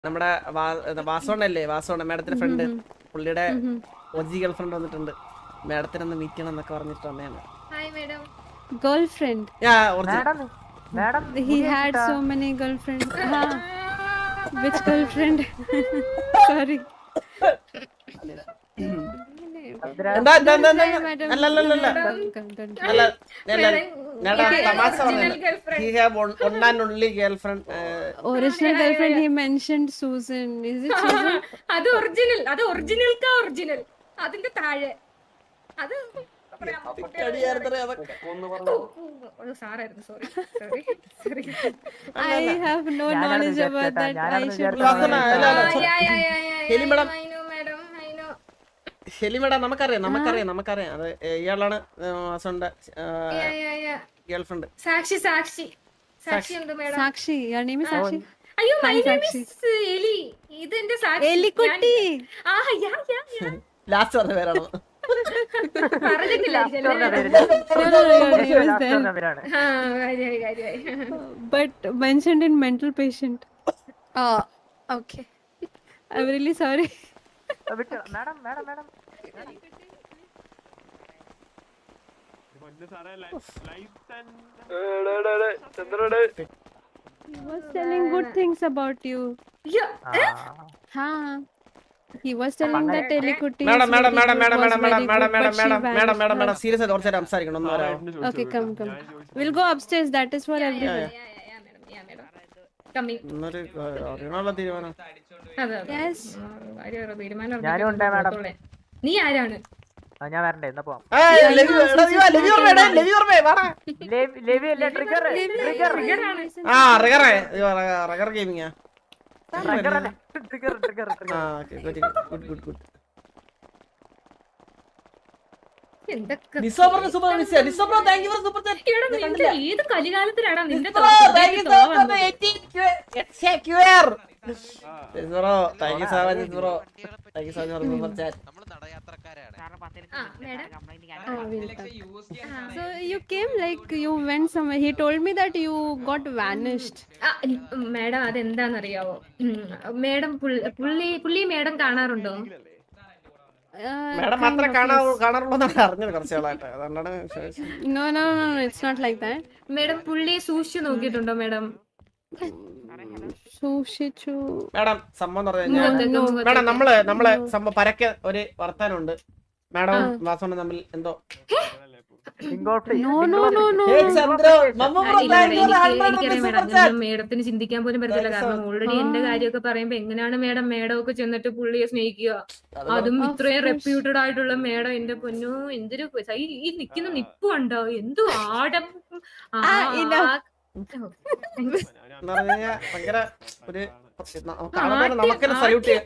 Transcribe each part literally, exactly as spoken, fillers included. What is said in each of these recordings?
നമ്മുടെ വാസോണല്ലേ വാസോണ മാഡത്തിന്റെ ഫ്രണ്ട് പുള്ളിയുടെ ഒജി ഗേൾ ഫ്രണ്ട് വന്നിട്ടുണ്ട് മാഡത്തിനെ ഒന്ന് മീറ്റ് ചെയ്യണം എന്നൊക്കെ പറഞ്ഞിട്ട് വന്നതാണ് girlfriend madam madam he had so many girlfriends ha which girlfriend sorry എന്താ എന്താ എന്താ അല്ല അല്ല അല്ല അല്ല അല്ല തമാശ പറഞ്ഞത് he have one and only girlfriend original girlfriend he mentioned Susan is it Susan അത് ഒറിജിനൽ അത് ഒറിജിനൽ കാ ഒറിജിനൽ അതിന്റെ താഴെ അത് സാറായിരുന്നു sorry sorry sorry I have no knowledge about that I should ഹെലി മേഡം ഹെലി മേഡം നമുക്കറിയാം നമുക്കറിയാം നമുക്കറിയാം അത് ഇയാളാണ് വാസോണിന്റെ ഗേൾ ഫ്രണ്ട് സാക്ഷി സാക്ഷി സാക്ഷി ഉണ്ട് madam Sakshi your name is Sakshi അയ്യോ മൈ നെയിം ഈസ് എലി ഇത് എന്റെ സാക്ഷി എലിക്കുട്ടി ആ യാ യാ യാ ലാസ്റ്റ് പറഞ്ഞ പേരാണോ പറഞ്ഞിട്ടില്ല but mentioned in mental patient oh okay I'm really sorry madam madam madam he was telling good things about you ha he was telling that Elikutti madam madam madam madam madam madam madam madam madam madam madam madam serious ആയിട്ട് കുറച്ച് സംസാരിക്കണം ഒന്ന് വരാമോ okay come come we'll go upstairs that is for everyone ഇന്നൊരു അറിയണമല്ലോ തീരുമാനം yes ഞാനും ഉണ്ട് madam നീ ആരാണ് ഞാൻ വരണ്ടേ എന്നാ പോവാം ലവി ലവി ഓർമ്മ ലവി ഓർമ്മ വാടാ ലെവി അല്ല ട്രിഗർ ട്രിഗർ ആ റഗർ റഗർ ഗെയിമിംഗ് ട്രിഗർ ട്രിഗർ ട്രിഗർ ആ ഓക്കേ ഗുഡ് ഗുഡ് ഗുഡ് എന്തൊക്കെ നിസോ ബ്രോ സൂപ്പർ മിസ് നിസോ bro thank you for super chat എടാ, നിന്റെ ഏത് കലികാലത്തിലാടാ നിന്റെ bro thank you so much eighty QR bro thank you so much bro thank you so much for super chat നമ്മൾ നടയാത്രക്കാരാണ് so you came like you went somewhere he told me that you got vanished madam അതെന്താന്നറിയാവോ madam പുള്ളി പുള്ളി madam കാണാറുണ്ടോ uh, madam മാത്രമേ കാണാ കാണാറുള്ളൂന്നാണ് അറിഞ്ഞത് കുറച്ച് നാളായിട്ട് അതുകൊണ്ടാണ് ചോദിച്ചത്. no no no no it's not like that madam പുള്ളിയെ സൂക്ഷിച്ചു നോക്കിയിട്ടുണ്ടോ മേഡം സൂക്ഷിച്ചു മാഡം സംഭവം എന്ന് പറഞ്ഞു കഴിഞ്ഞാൽ മാഡം നമ്മള് നമ്മള് സംഭവം പരക്കെ ഒരു വർത്താനുണ്ട് മാഡം വാസോണും തമ്മിൽ എന്തോ no no no no മേഡത്തിന് ചിന്തിക്കാൻ പോലും പറ്റത്തില്ല കാരണം ഓൾറെഡി എന്റെ കാര്യമൊക്കെ പറയുമ്പോ എങ്ങനെയാണ് മേഡം മേഡം ഒക്കെ ചെന്നിട്ട് പുള്ളിയെ സ്നേഹിക്കുക അതും ഇത്രയും റെപ്യൂട്ടഡ് ആയിട്ടുള്ള മേഡം എന്റെ പൊന്നു എന്തൊരു ഈ നിക്കുന്ന നിപ്പ് കണ്ടോ എന്തു ആടം ഭയങ്കര ഒരു നമുക്കെന്നെ സല്യൂട്ട് ചെയ്യാം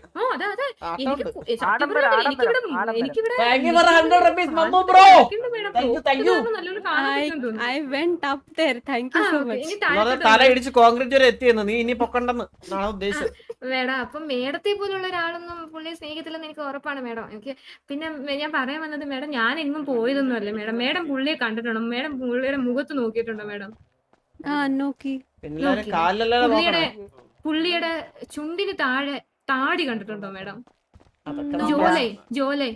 I went up there thank you so much തല ഇടിച്ച് കോൺക്രീറ്റ് വരെ എത്തിയെന്ന് നീ ഇനി പൊക്കണ്ടെന്ന് നാളെ ഉദ്ദേശിച്ചത് മേഡം അപ്പൊ മേഡത്തെ പോലുള്ള ഒരാളൊന്നും പുള്ളിയെ സ്നേഹിക്കത്തില്ലെന്ന് എനിക്ക് ഉറപ്പാണ് മേഡം എനിക്ക് പിന്നെ ഞാൻ പറയാൻ വന്നത് മേഡം ഞാൻ എങ്ങും പോയതൊന്നും അല്ല മേഡം മേഡം പുള്ളിയെ കണ്ടിട്ടുണ്ടോ മേഡം പുള്ളിയുടെ മുഖത്ത് നോക്കിയിട്ടുണ്ടോ മേഡം ആ നോക്കി പുള്ളിയുടെ പുള്ളിയുടെ ചുണ്ടിന് താഴെ താടി കണ്ടിട്ടുണ്ടോ മേഡം ജോലേ ജോലേ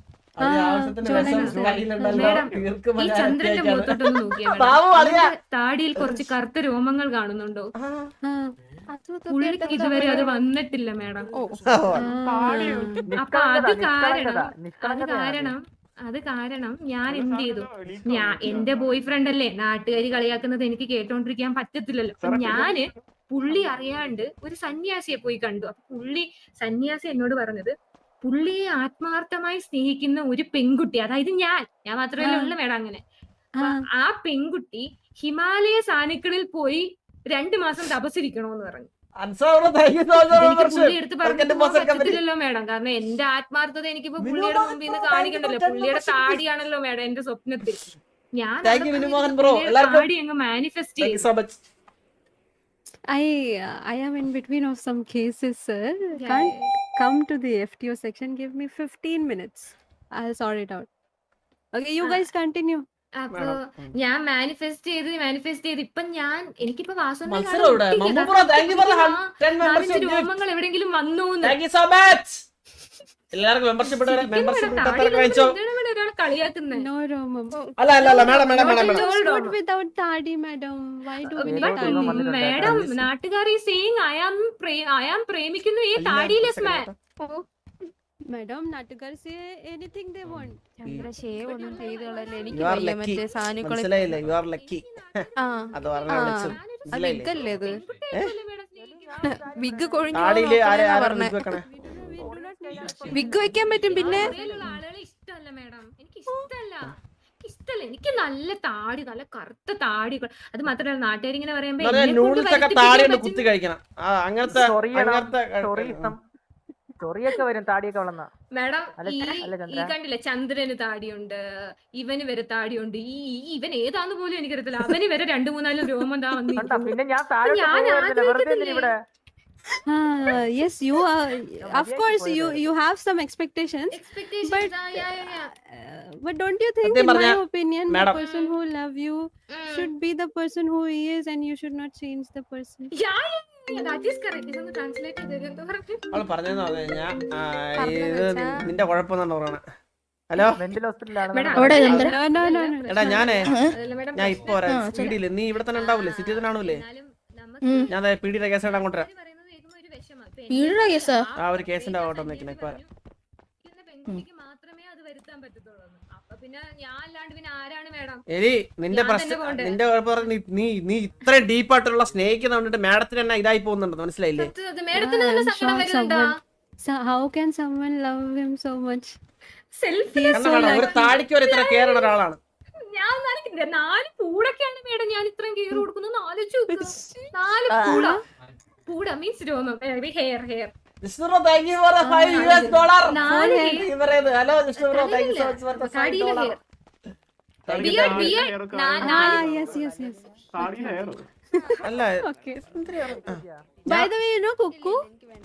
മേഡം ഈ ചന്ദ്രന്റെ മുഖത്തോട്ടൊന്ന് നോക്കിയാ മേഡം താടിയിൽ കുറച്ച് കറുത്ത രോമങ്ങൾ കാണുന്നുണ്ടോ പുള്ളിക്ക് ഇതുവരെ അത് വന്നിട്ടില്ല മേഡം അപ്പൊ അത് കാരണം അത് കാരണം അത് കാരണം ഞാൻ എന്ത് ചെയ്തു ഞാൻ എന്റെ ബോയ് ഫ്രണ്ട് അല്ലേ നാട്ടുകാരി കളിയാക്കുന്നത് എനിക്ക് കേട്ടോണ്ടിരിക്കാൻ പറ്റത്തില്ലല്ലോ ഞാന് പുള്ളി അറിയാണ്ട് ഒരു സന്യാസിയെ പോയി കണ്ടു അപ്പൊ പുള്ളി സന്യാസി എന്നോട് പറഞ്ഞത് പുള്ളിയെ ആത്മാർത്ഥമായി സ്നേഹിക്കുന്ന ഒരു പെൺകുട്ടി അതായത് ഞാൻ ഞാൻ മാത്രമല്ല ഉള്ളു മേഡം അങ്ങനെ ആ പെൺകുട്ടി ഹിമാലയ സാനുക്കളിൽ പോയി രണ്ടു മാസം തപസ്സിരിക്കണോന്ന് പറഞ്ഞു എനിക്ക് പുള്ളി എടുത്ത് പറഞ്ഞില്ലല്ലോ മേഡം കാരണം എന്റെ ആത്മാർത്ഥത എനിക്കിപ്പോ പുള്ളിയുടെ മുമ്പിൽ നിന്ന് കാണിക്കണ്ടല്ലോ പുള്ളിയുടെ താടിയാണല്ലോ മേഡം എന്റെ സ്വപ്നത്തിൽ ഞാൻ താടി അങ്ങ് മാനിഫെസ്റ്റ് ചെയ്തു I uh, I am in between of some cases sir can't come to the F T O section give me fifteen minutes I'll sort it out okay you guys continue അപ്പൊ ഞാൻ manifest ചെയ്ത് manifest ചെയ്ത് ഇപ്പൊ ഞാൻ എനിക്കിപ്പോ വാസുവിനെ മത്സരം ഇവിടെ. Mammu bro, thank you for the hun- ten membership gift. രോമങ്ങൾ എവിടെയെങ്കിലും വന്നു Thank you so much. എല്ലാവർക്കും മെമ്പർഷിപ്പ് മെമ്പർഷിപ്പ് വാങ്ങിച്ചോ. ഒരാൾ കളിയാക്കുന്നത് No, Romam. അല്ല അല്ല അല്ല madam madam madam madam It's good without tadi, madam. Why do we need tadi? Madam നാട്ടുകാർ ഈ സീയിങ് അയാം അയാം പ്രേമിക്കുന്നു ഈ താടിയിലെസ് man. Madam, Natukar say anything they want. Chandra shave ഒന്നും ചെയ്തോളല്ലേ എനിക്ക് You are വയ്യ lucky. മറ്റേ സാധനങ്ങളെ മനസ്സിലായില്ലേ? You are lucky. ആ അത് പറഞ്ഞ വിളിച്ചു. അത് മനസ്സിലായില്ലേ? വിഗല്ലേ ഇത് വിഗ് കൊഴിഞ്ഞു താടിയില് ആരെ ആരെ പറഞ്ഞേ വിഗ് വെക്കണേ? We do not need wig വെക്കാൻ പറ്റും പിന്നെ ഇവിടെയുള്ള ആളുകളെ ഇഷ്ടമല്ല മാഡം. എനിക്ക് ഇഷ്ടമല്ല എനിക്ക് ഇഷ്ടമല്ല എനിക്ക് നല്ല താടി നല്ല കറുത്ത താടി അത് മാത്രമല്ല നാട്ടുകാർ ഇങ്ങനെ പറയുമ്പോ എന്നെ കൊണ്ട് നൂഡിൽസ് ഒക്കെ വരുത്തിപ്പിക്കാൻ താടി കൊണ്ട് പറ്റും. കുത്തി കഴിക്കണം. ആ അങ്ങനത്തെ അങ്ങനത്തെ ചൊറിയിസം ചൊറിയൊക്കെ വരും താടിയൊക്കെ വളർന്ന. മാഡം അല്ല, ഈ അല്ല ഈ ചന്ദ്ര. കണ്ടില്ലേ ചന്ദ്രന് താടിയുണ്ട് ഇവന് വരെ താടിയുണ്ട് ഈ ഈ ഇവൻ ഏതാന്ന് പോലും എനിക്കറിയത്തില്ല അവന് വരെ രണ്ടു മൂന്നാലും രോമം താ കണ്ടാ വന്നിരിക്കുന്നു. പിന്നെ ഞാൻ താഴെ ഞാൻ വെറുതെ എന്തിനാ ഇവിടെ Ah, yes, you are. Of course, you you have some expectations. Expectations, But- ആ, yeah, yeah, yeah. Uh, but don't you think, സത്യം in my പറഞ്ഞാ, opinion, the madam. person who love you Mm. should be the person who he is, and you should not change the person. Yeah, yeah, yeah, that is correct. ഇതൊന്ന് translate ചെയ്ത് തരുമോ? എന്താ പറഞ്ഞത്? അവള് പറഞ്ഞെന്ന് പറഞ്ഞു കഴിഞ്ഞാൽ പറഞ്ഞെന്ന് ഇത് വെച്ചാ? നിന്റെ കുഴപ്പമെന്നാണ് പറയണേ. ഹലോ മെന്റൽ ഹോസ്പിറ്റലാണ് മേഡം, അവിടെ അതല്ല, Chandra? No, no, no, no. എടാ ഞാനേ അതല്ല മേഡം, ഞാൻ ഇപ്പൊ വരാം. ആ, സ്പീഡില് നീ ഇവിടെ തന്നെ ഉണ്ടാവൂലേ? സിറ്റി തന്നെ ആണൂലേ? എന്നാലും നമുക്ക് ഉം. ഞാൻ പീഡിയുടെ കേസായിട്ട് അങ്ങോട്ട് വരാം. ഇവര് പറയുന്നത് കേൾക്കുമ്പോ ഒരു വിഷമം. ഇപ്പൊ പീഡിയുടെ എനിക്ക് കേസാ? ആ ഒരു കേസിന്റെ അങ്ങോട്ട് നിൽക്കണേ ഇപ്പൊ വരാം. ഇരിക്കുന്ന പെൺകുട്ടിക്ക് മാത്രമേ അത് വരുത്താൻ പറ്റത്തുള്ളൂ. അപ്പൊ പിന്നെ ഞാൻ അല്ലാണ്ട് പിന്നെ ആരാണ് മേഡം? എലി നിന്റെ ഞാൻ പ്രശ്നം തന്നെ പോണ്ടേ? നിന്റെ കുഴപ്പം പറഞ്ഞ് നീ നീ നീ ഇത്രയും ഡീപ്പായിട്ടുള്ള സ്നേഹിക്കുന്ന കണ്ടിട്ട് മാഡത്തിന് തന്നെ ഇതായി പോകുന്നുണ്ട്. മനസ്സിലായില്ലേ? സത്യം, അത് മേഡത്തിന് തന്നെ I'm സങ്കടം shocked വരുന്നുണ്ടോ? someone- So how can someone love him so much? Selfie കാരണം മാഡം ഒരു താടിക്ക് ഒരു ഇത്ര കെയർ ഉള്ള ഒരാളാണ്. ഞാൻ നാല് നാല് പൂടൊക്കെയാണ് മേഡം ഞാൻ ഇത്രയും കെയർ കൊടുക്കുന്നത്. ആലോചിച്ച് നോക്ക്. നാല് പൂട പൂട മീൻസ് രോമം hair hair Jishnu bro thank you for five U S dollar. നാല് hello Jishnu bro thank you so much for five താടിയിലെ dollar. Hair beard beard Ah, yes, yes, yes. അല്ല Okay. By the way, you know Cuckoo?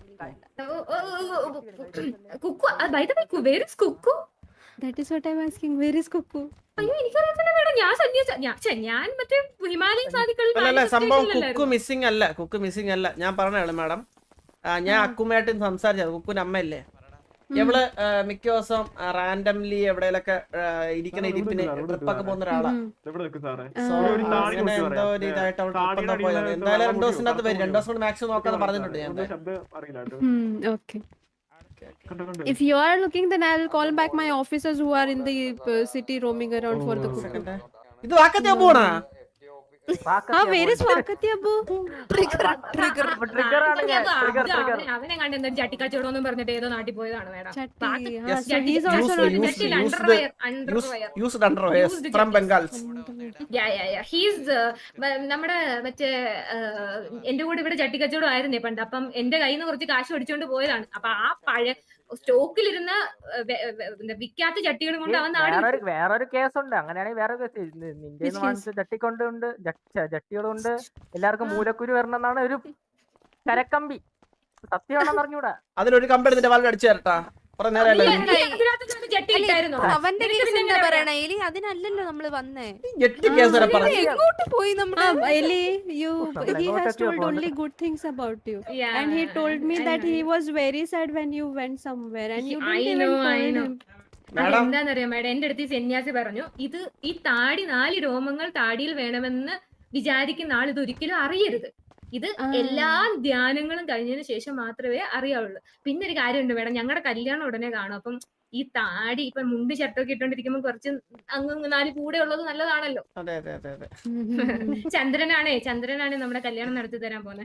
Kukku by the way where is Kukku? That is what I'm asking. Where is Cuckoo? അയ്യോ എനിക്കറിയത്തില്ല madam. ഞാൻ സന്യാസ ഞാൻ ഛെ, ഞാൻ മറ്റേ ഹിമാലയൻ സാധികളിൽ അല്ല അല്ല സംഭവം കുക്ക് മിസ്സിംഗ് അല്ല കുക്ക് മിസ്സിംഗ് അല്ല. ഞാൻ പറഞ്ഞാണ് മാഡം. ഞാൻ അക്കുമായിട്ട് സംസാരിച്ചത്. കുക്കുന്റെ അമ്മയല്ലേ ഇവള് ആ, മിക്ക ദിവസം റാൻഡംലി എവിടെയൊക്കെ ഇരിക്കണ ഇരിപ്പിന് ട്രിപ്പൊക്കെ പോകുന്ന ഒരാളാ. So, അങ്ങനെ എന്തോ ഒരു ഇതായിട്ട് അവൾ ട്രിപ്പ് എന്താ പോയത്. എന്തായാലും രണ്ടു ദിവസത്തിനകത്ത് വരും. രണ്ടു ദിവസം കൊണ്ട് മാക്സിമം നോക്കാന്ന് പറഞ്ഞിട്ടുണ്ട് ഞാൻ. Hmm, okay. If you are looking, then I'll call back my officers who are in the uh, city roaming around for the Cuckoo. ഇത് വാക്കത്തെ പോണാ? Ah, where is Vakati Abu? അവനെ കണ്ട് എന്തൊരു ചട്ടിക്കച്ചവടം ഒന്നും പറഞ്ഞിട്ട് ഏതോ നാട്ടിൽ പോയതാണ് madam. Chatti. Yes. Ah, so he's also Used- not used- interested. used- underwear underwear used underwears from Bengals. He's നമ്മുടെ മറ്റേ എന്റെ കൂടെ ഇവിടെ ചട്ടിക്കച്ചവടം ആയിരുന്നേ പണ്ട്. അപ്പം എന്റെ കയ്യിൽ നിന്ന് കുറച്ച് കാശ് മേടിച്ചോണ്ട് പോയതാണ്. അപ്പൊ ആ പഴയ സ്റ്റോക്കിലിരുന്ന വിക്കാത്ത ചട്ടികളും കൊണ്ട് അവൻ നാട് വേറൊരു വേറൊരു കേസുണ്ട്. അങ്ങനെയാണെങ്കിൽ വേറെ കേസ് നിന്റെ വാങ്ങിച്ച ചട്ടിക്കൊണ്ട് ഉണ്ട് ചട്ടികളുണ്ട്. എല്ലാവർക്കും മൂലക്കുരു വരണമെന്നാണ് ഒരു കരക്കമ്പി. സത്യമാണെന്ന് അറിഞ്ഞൂടാ. അതിലൊരു കമ്പനി നിന്റെ വാലിൽ അടിച്ചു തരട്ടാ. കുറെ നേരം ചട്ടി ഇട്ടായിരുന്നോ? അവന്റെ കേസ് എന്താ പറയണേ എലി? അതിനല്ലല്ലോ നമ്മള് വന്നേ. എട്ട് കേസ് വരെ പറഞ്ഞു. എങ്ങോട്ട് പോയി നമ്മള്? Ah, Eli, you. Something He like has that, told yeah, only good things about you, Yeah, and he told me I that know. he was very sad when you went somewhere, and you I didn't even know, I call know. him. Madam എന്താന്നറിയാം madam, എന്റെ അടുത്ത് ഈ സന്യാസി പറഞ്ഞു ഇത് ഈ താടി നാല് രോമങ്ങൾ താടിയിൽ വേണമെന്ന് വിചാരിക്കുന്ന ആൾ ഇത് ഒരിക്കലും അറിയരുത്. ഇത് ആ. എല്ലാ ധ്യാനങ്ങളും കഴിഞ്ഞതിന് ശേഷം മാത്രമേ അറിയാവുള്ളൂ. പിന്നെ ഒരു കാര്യമുണ്ട് മേഡം, ഞങ്ങളുടെ കല്യാണം ഉടനെ കാണും. അപ്പം ഈ താടി ഇപ്പൊ മുണ്ട് ഷർട്ടൊക്കെ ഇട്ടോണ്ടിരിക്കുമ്പോൾ കുറച്ച് അങ്ങ് നാല് കൂടെ ഉള്ളത് നല്ലതാണല്ലോ. അതെ അതെ അതെ അതെ. ചന്ദ്രനാണേ ചന്ദ്രനാണ് നമ്മുടെ കല്യാണം നടത്തി തരാൻ പോന്നെ.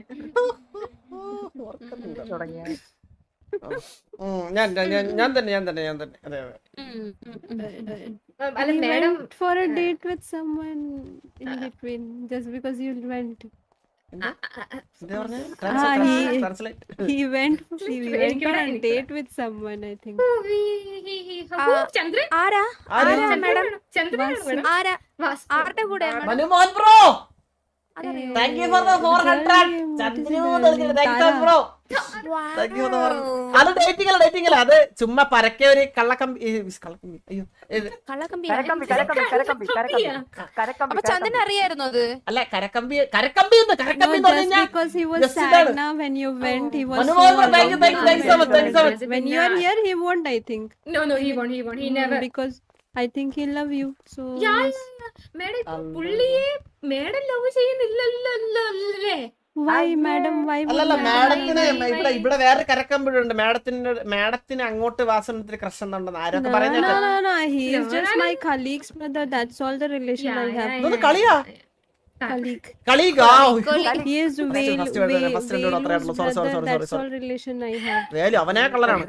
തുടങ്ങിയ ഉം, ഞാൻ ഞാൻ ഞാൻ തന്നെ ഞാൻ തന്നെ ഞാൻ തന്നെ അതെ അതെ. അല്ല He madam went for a date with someone in between just because you went. എന്താ പറഞ്ഞേ? Ah, he- translate. He went. He went എനിക്കിവിടെ- on a date with someone. I think. Chandran ആരാ ആരാ? ആരാ മാഡം? ചന്ദ്രനാണ് മേഡം. ആരാ വാസ്- ആരുടെ കൂടെ? മനുമോഹൻ ബ്രോ അതറിയോ? Thank you for the four hundred. Really, what is Chandru it? Thank you bro. Thank you എന്ന് പറഞ്ഞു. അത് ഡേറ്റിംഗ് അല്ല ഡേറ്റിംഗ് അല്ല അത് ചുമ്മാ പരക്കെ ഒരു കള്ളക്കമ്പി ഈ കള്ളക്കമ്പി അയ്യോ ഇത് കള്ളക്കമ്പി കരക്കമ്പി കരക്കമ്പി കരക്കമ്പി കരക്കമ്പി കരക്കമ്പി അപ്പൊ ചന്ദന അറിയായിരുന്നു അത് അല്ല കരക്കമ്പി കരക്കമ്പി എന്ന് കരക്കമ്പി എന്ന് No, പറഞ്ഞു just കഴിഞ്ഞാൽ because he was just sad ഇതാണ്. now when you went, he was. Manu, so Manu, thank you, thank you, thank you so much, thank you so much. When you are here, he won't. I think. No, no, he won't, he won't, he never. Because I think he love you. So. Yeah, yes. yeah, yeah. Madam ഇപ്പൊ പുള്ളിയെ madam love ചെയ്യുന്നില്ലല്ലേ? Why, madam? Why would അല്ലല്ല madam? മാഡത്തിന് why, ഇവിടെ why? ഇവിടെ വേറെ കരക്കമ്പിഴുണ്ട് മാഡത്തിന് മാഡത്തിന് അങ്ങോട്ട് വാസനത്തിന് ക്രഷ് ഉണ്ടെന്ന് ആരൊക്കെ No, പറയുന്നത് no, no, no. He is No, just no, my no. colleague's brother. That's all the relation Yeah, I yeah, have. yeah, ഇതൊന്ന് yeah. കളിയാ Colleague. കളികാ He is Vel- first word, Vel- first word മാത്രമേ Velu's ഉള്ളൂ. Sorry, sorry, brother. sorry, That's sorry, all relation I have. Velu അവനെ കള്ളനാണ്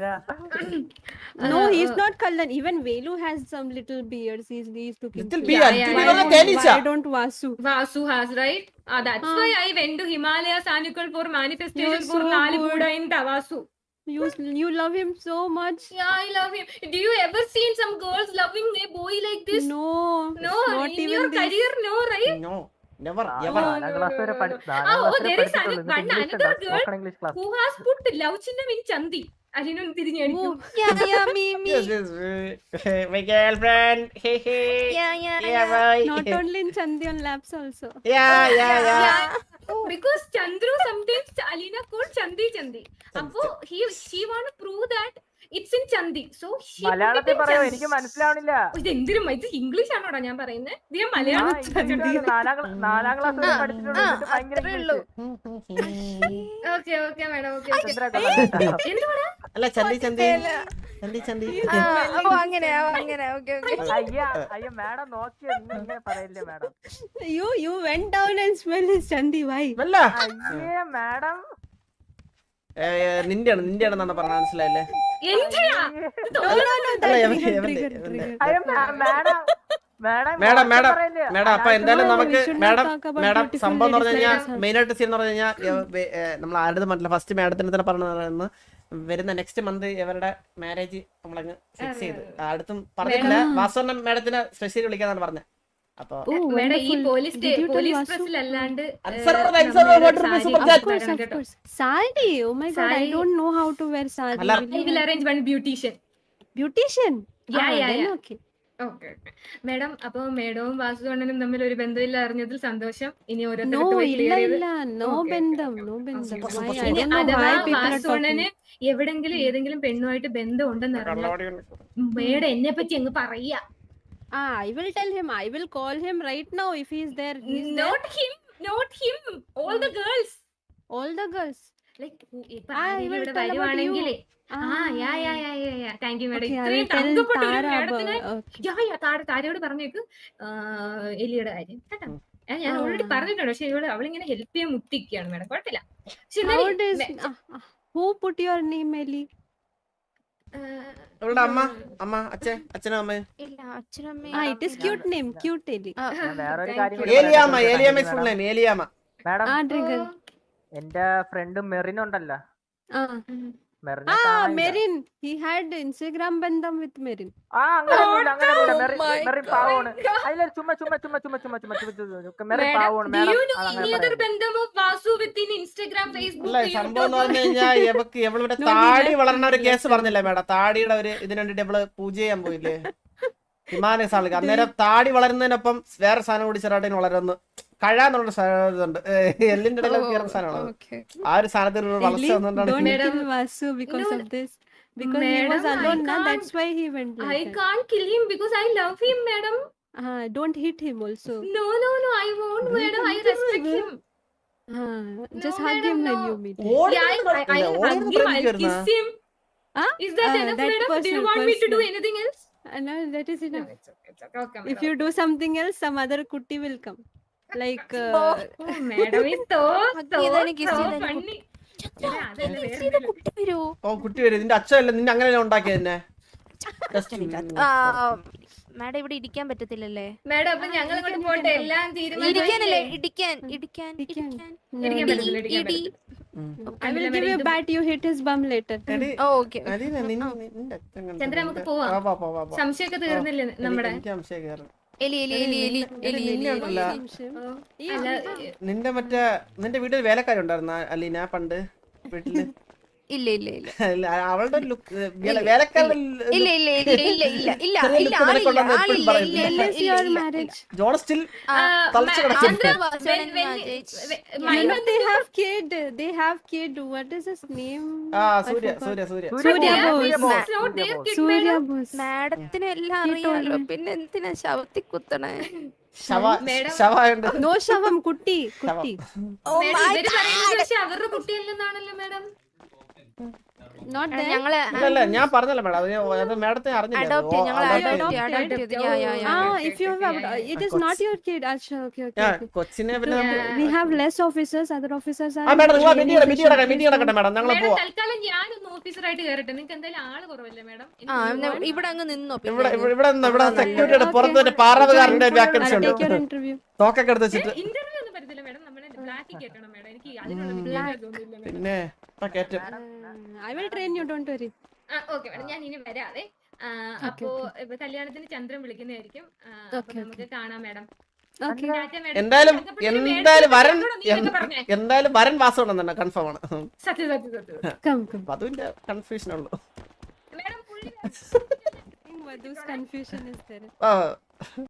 No, Uh, he's uh, not Kallan. Even Velu has some little beards. He's, he's looking. Little cute. Bee Yeah, little yeah, bee yeah. പറഞ്ഞ തേനീച്ച Why don't Vasu? Vasu has, right? Ah, that's Ah. why I went to Himalayas Annual for manifestation You're for so Nali good. Buddha in Tavasu. You you love him so much. Yeah, I love him. Do you ever seen some girls loving a boy like this? No, No, not in even your this. career, no, right? No never ആ, ever നാലാം class വരെ പഠി- Oh, നാലാം oh, class വരെ there is പഠിച്ചിട്ടുള്ളൂ. another- എന്നിട്ട് English another ഉണ്ടോ? girl spoken English class Who has put love ചിഹ്നം in Chandi? അതിനൊന്ന് തിരിഞ്ഞടിക്കും. Oh, Yeah, yeah, me, me. My girlfriend hey hey Yeah, yeah, yeah yeah. Boy not only in Chandi on laps also. Yeah yeah yeah Because Chandru sometimes Alina called Chandi Chandi. അപ്പോ he she want to prove that it's in Chandi. So she put it മലയാളത്തിൽ in പറയോ Chandi. എനിക്ക് മനസ്സിലാവണില്ല ഓ, ഇത് എന്തിനും ഇത് English ആണോടാ ഞാൻ പറയുന്നത്? ഇത് ഞാൻ ആ, മലയാളം ഇംഗ്ലീഷാണ്. നാലാം ക്ലാ- നാലാം ക്ലാസ് വരെ പഠിച്ചിട്ടുള്ളൂ. ആ, എന്നിട്ട് ഭയങ്കര അത്രേ ഉള്ളൂ. English. Okay okay madam okay Chandra കൊള്ളാം. എന്തുവാടാ അല്ല ചന്തി ചന്തി ചന്തി ചന്തി ആ, ഓ അങ്ങനെ ഓ, അങ്ങനെ ഓക്കെ ഓക്കെ അയ്യ അയ്യ മാഡം നോക്കിയോ നിങ്ങൾ ഇങ്ങനെ പറയില്ലേ madam You you went down and smelled his Chandi. Why? അല്ല അയ്യേ മാഡം നിന്റെയാണ് നിന്റെയാണെന്നാണ് പറഞ്ഞ മനസ്സിലായില്ലേ എന്തിനാ No, no, no. That അല്ല, എവന്റെ- trigger, എവന്റെ- trigger, എവന്റെ. trigger. അയ്യോ മാ- മാഡം മാഡം മേഡം മോശം മേഡം പറയില്ലേ? മേഡം അപ്പൊ എന്തായാലും No, we നമുക്ക് should not madam talk about madam beautiful സംഭവം എന്ന് പറഞ്ഞു ladies കഴിഞ്ഞാൽ like us. മെയിൻ ആയിട്ട് ചെയ്യുന്ന പറഞ്ഞു കഴിഞ്ഞാൽ നമ്മൾ ആരുടെ മറ്റില്ല ഫസ്റ്റ് മേഡത്തിന് തന്നെ പറഞ്ഞു വരുന്ന നെക്സ്റ്റ് മന്ത് ഇവരുടെ മാരേജ് നമ്മളങ്ങ് ഫിക്സ് ചെയ്ത് അടുത്തും പറഞ്ഞിട്ടില്ല വാസവണ്ണ മേഡത്തിന് സ്പെഷ്യലി വിളിക്കാന്നാണ് പറഞ്ഞത് അപ്പൊ Oh, മേഡം ഈ wonderful. Police Did you tell police Vasu? പ്രസിൽ അല്ലാണ്ട് Answer for the answer, what is the super Of chat? course, of course. Sari. Oh my God, I Sari. don't know how to wear sari. Alar. Will I you will help? arrange one beautician. Beautician. Yeah, Ah, yeah, then yeah. okay. Okay madam അപ്പൊ മേഡവും വാസുവണ്ണനും തമ്മിൽ ഒരു ബന്ധമില്ല അറിഞ്ഞതിൽ സന്തോഷം ഇനി No, ഓരോരുത്തർക്ക് പോയി illa clear ചെയ്ത് illa. No Okay, okay, bendam. okay, No okay. bendam. Super, Why? super, I ഇനി don't know അഥവാ why people are വാസുവണ്ണന് talking. എവിടെങ്കിലും ഏതെങ്കിലും പെണ്ണുമായിട്ട് ബന്ധം ഉണ്ടെന്ന് അറിഞ്ഞാൽ മേഡം എന്നെ പറ്റി അങ്ങ് പറയാ. Ah, I will tell him. I will call him right now if he's there. He's there. Not him, not him. All the girls. All the girls. Like ഇപ്പൊ Ah, I ആരെങ്കിലും will ഇവിടെ tell about വരുവാണെങ്കിലേ Ah, ആ yeah yeah yeah yeah yeah thank you madam okay, I ഇത്രയും will tell തങ്കപ്പെട്ട ഒരു Tara about. മേഡത്തിന് Okay. യാ യാ താര താരയോട് പറഞ്ഞേക്ക് ആ, എലിയുടെ കാര്യം കേട്ടോ. ആ, ഞാൻ ആ. ഓൾറെഡി പറഞ്ഞിട്ടുണ്ട് പക്ഷെ ഇവള് അവളിങ്ങനെ ഹെൽപ്പ് ചെയ്യാൻ മുട്ടിക്കുകയാണ് മേഡം കുഴപ്പമില്ല പക്ഷെ How എന്നാലും does മെ- ah, ah, who put your name, Ellie? ആ, ഇവളുടെ അമ്മ അമ്മ അച്ഛൻ അച്ഛനും അമ്മയും ഇല്ല അച്ഛനും Ah, അമ്മയും it is cute name, cute Ellie. ആ, ഞാൻ വേറൊരു Thank കാര്യം you. കൂടി ഏലിയാമ്മ പറയാൻ ഏലിയാമ്മ പറ്റുമോ full madam? Name Eliyamma madam Ah, trigger. എന്റെ ഫ്രണ്ട് മെറിൻ ഉണ്ടല്ലോ Ah, മെറിനെ ah, കാണാനില്ല. Merin. He had Instagram bandam with Merin. ആ അങ്ങനെയൊന്നുമില്ല അങ്ങനെയൊന്നുമില്ല Oh Merin my Merin God. പാവമാണ് അതിലൊരു ചുമ്മാ ചുമ്മാ ചുമ്മാ ചുമ്മാ ചുമ്മാ ചുമ്മാ ചുമ്മാ ചുമ്മാ മെറിൻ മേഡം പാവമാണ് do മാഡം you know അതങ്ങനെ any other പറയരുത്. ബന്ധം of Vasu with in Instagram, Facebook, അല്ല സംഭവം എന്ന് YouTube? പറഞ്ഞു കഴിഞ്ഞാൽ ഇവക്ക് ഇവളിവിടെ No, he താടി left, വളർന്ന ഒരു he കേസ് left. പറഞ്ഞില്ലേ മേഡം താടിയുടെ ഒരു ഇതിന് വേണ്ടിട്ട് ഇവള് പൂജ ചെയ്യാൻ പോയില്ലേ ഹിമാലയ സാൾക്ക് അന്നേരം താടി വളരുന്നതിനൊപ്പം വേറെ സാധനം കൂടി ചെറുതായിട്ട് വളരുന്നു കഴാന്നുള്ള സാധനം ഇതുണ്ട് എല്ലിന്റെ ഇടയിൽ കയറുന്ന സാധനമാണ് okay. ആ ഒരു സാധനത്തിൽ ഒരു വളർച്ച Ellie, വന്നുകൊണ്ടാണ് don't Madam- kill Vasu because No, of this. Because he was Madam, I alone, na. can't- That's why he went I like that. can't kill him because I love him, madam. Ah, don't hit him also. No, no, no, I won't, madam. I respect him. Ah, just No, hug madam, him when no. you meet him. ഓടി Yeah, I, I, I'll hug him, I'll kiss him. Ah, Is that Ah, enough, that madam? Do you personal, want me to do personal. anything else? Uh, no, that is No, enough. it's okay, it's okay. Okay, If madam. you do something else, some other kutti will come. Like, uh, Oh, madam is so, Hug so, ചെയ്താലും kiss so ചെയ്താലും funny. അല്ല, അതല്ല, വേറെ ഇത് എന്തെങ്കിലും. കുട്ടി വരൂ ഓ കുട്ടി വരും നിന്റെ അച്ഛനല്ലേ നിന്നെ അങ്ങനെ ഉണ്ടാക്കിയത് തന്നെ ആ മാഡം ഇവിടെ ഇരിക്കാൻ പറ്റത്തില്ലല്ലേ മാഡം അപ്പൊ ഞങ്ങൾ ഇങ്ങോട്ട് പോട്ടെ എല്ലാം ഇരിക്കാനല്ലേ തീരുമാനിച്ചില്ലേ? ഇടിക്കാൻ ഇടിക്കാൻ ഇടിക്കാൻ. ഇടിക്കാൻ no, ഇരിക്കാൻ no. പറ്റില്ല, ഇരിക്കാൻ ഇടി പറ്റില്ല. I will കണ്ടില്ല, give you madam, a bat. You hit his bum later. Okay Chandra, നമുക്ക് പോവാം. സംശയമൊക്കെ തീർന്നില്ലേ നമ്മുടെ? എനിക്ക് സംശയം കയറും എലി എലി എലി എലി എലി എലി എലി അല്ല. ഓ, ഈ അല്ല, നിന്റെ മറ്റേ നിന്റെ വീട്ടിൽ വേലക്കാരി ഉണ്ടായിരുന്ന അലീന പണ്ട് വീട്ടില് ഇല്ല ഇല്ല ഇല്ല ഇല്ല, അവളുടെ ഒരു ലുക്ക് വേലക്കാരുടെ ഇല്ല ഇല്ല ഇല്ല ഇല്ല ഇല്ല ഇല്ല ചെറിയ ഇല്ല look ആളില്ല കൊണ്ടുവന്ന് എപ്പോഴും ആളില്ല പറയും. ഇല്ല ഇല്ല When is ഇല്ല your ഇല്ല marriage? ജോൺ സ്റ്റിൽ ആ, തളച്ചു ma- കിടക്കുന്നു. Andhra was when- when when- marriage. when- You my know they have kid. They have kid. What is his name? ആ I Surya forgot. Surya Surya Surya Surya Bose. Bose, Ma- Surya not their Bose. kid, Surya madam. Bose. മാഡത്തിന് എല്ലാം He told അറിയാലോ me. പിന്നെ എന്തിനാ ശവത്തി കുത്തണേ ശവ Madam. ശവായുണ്ട്. No shavam, kutti, kutti. Oh Madam, my ഇവര് പറയുന്നത് പക്ഷെ അവരുടെ കുട്ടിയല്ലെന്നാണല്ലോ മാഡം. Not that. ഞങ്ങളെ ഇല്ലല്ല ഞാൻ പറഞ്ഞല്ലോ മേഡം അത് ഞാൻ- അത് മേഡത്തെ അറിഞ്ഞില്ല അഡോപ്റ്റ് ഓ, ഞങ്ങൾ adopt അഡോപ്റ്റ് ചെയ്തു. അഡോപ്റ്റ് ചെയ്ത് യാ yeah yeah Ah, okay, if you okay, have, yeah, yeah, it yeah. is not your kid. Acha, okay, okay. ആ, okay. കൊച്ചിനെ പിന്നെ നമുക്ക് We have less officers. Other officers are. ആ madam നിങ്ങൾ in meeting training meeting നടക്കട്ടെ session. Meeting നടക്കട്ടെ madam ഞങ്ങൾ madam പോവാം. തൽക്കാലം ഞാനൊന്ന് ഓഫീസറായിട്ട് കയറട്ടെ. നിങ്ങൾക്ക് എന്തായാലും ആള് കുറവല്ലേ മാഡം? ആ ന- ഇവിടെ അങ്ങ് നിന്നോ ഇവിടെ പിന്നെ ഇവിടെ ഇവിടെ നിന്ന് ഇവിടെ അതാ സെക്യൂരിറ്റിയുടെ നല്ലത്. പുറത്ത് ഒരു Okay. പാറാവുകാരന്റെ I'll വാക്കൻസി take your ഉണ്ട്. interview. തോക്കൊക്കെ എടുത്ത് വെച്ചിട്ട് ഇന്റർവ്യൂ ഒന്നും പറ്റത്തില്ല മാഡം. നമ്മളെ ബ്ലാക്കിൽ കേട്ടണം മാഡം. എനിക്ക് അതിനുള്ള വിദ്യാഭ്യാസം ഒന്നുമില്ല മാഡം. പിന്നെ ഇപ്പൊ കേറ്റും. Uh, I will train you. Don't worry. ആ ഓക്കെ മാഡം, ഞാൻ ഇനി വരാതെ. ആ, അപ്പോ ഇപ്പൊ കല്യാണത്തിന് ചന്ദ്രൻ വിളിക്കുന്നതായിരിക്കും. ആ, അപ്പൊ Okay, നമുക്ക് കാണാം മാഡം. Okay. ടാറ്റ മാഡം. എന്തായാലും ചന്തപ്പള്ളിയിൽ എന്തായാലും മേടിച്ച് വരൻ വെച്ചോളൂ, നീയൊക്കെ പറഞ്ഞേ. എന്തായാലും വരൻ വാസം ഉണ്ടെന്ന് തന്നെ കൺഫേം ആണ്. സത്യം സത്യം സത്യം. Come, come. വധുവിന്റെ കൺഫ്യൂഷൻ ഉള്ളു. മാഡം പുള്ളി I think Madhu's confusion is there. ആ